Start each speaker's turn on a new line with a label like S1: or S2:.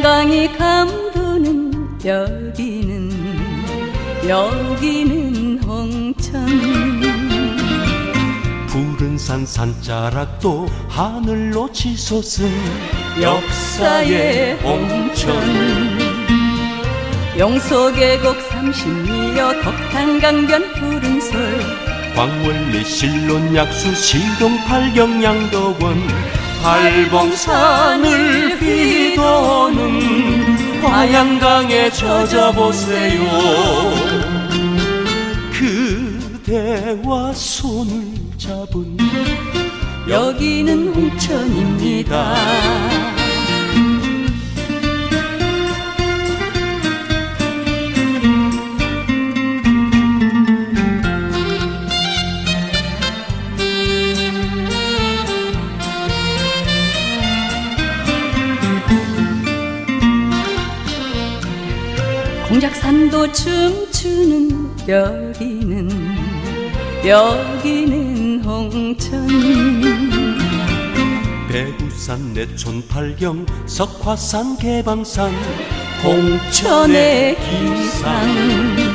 S1: 태강이 감도는 여기는 홍천.
S2: 푸른 산 산자락도 하늘로 치솟은 역사의 홍천.
S1: 용서계곡 30리여 덕탄강변 푸른솔.
S2: 광원리 신론 약수 시동 팔경 양덕원. 팔봉산을 휘도는 화양강에 젖어보세요. 그대와 손을 잡은
S1: 여기는 홍천입니다. 공작산도 춤추는 여기는 홍천.
S2: 배구산 내촌 팔경 석화산 개방산
S1: 홍천의 기상.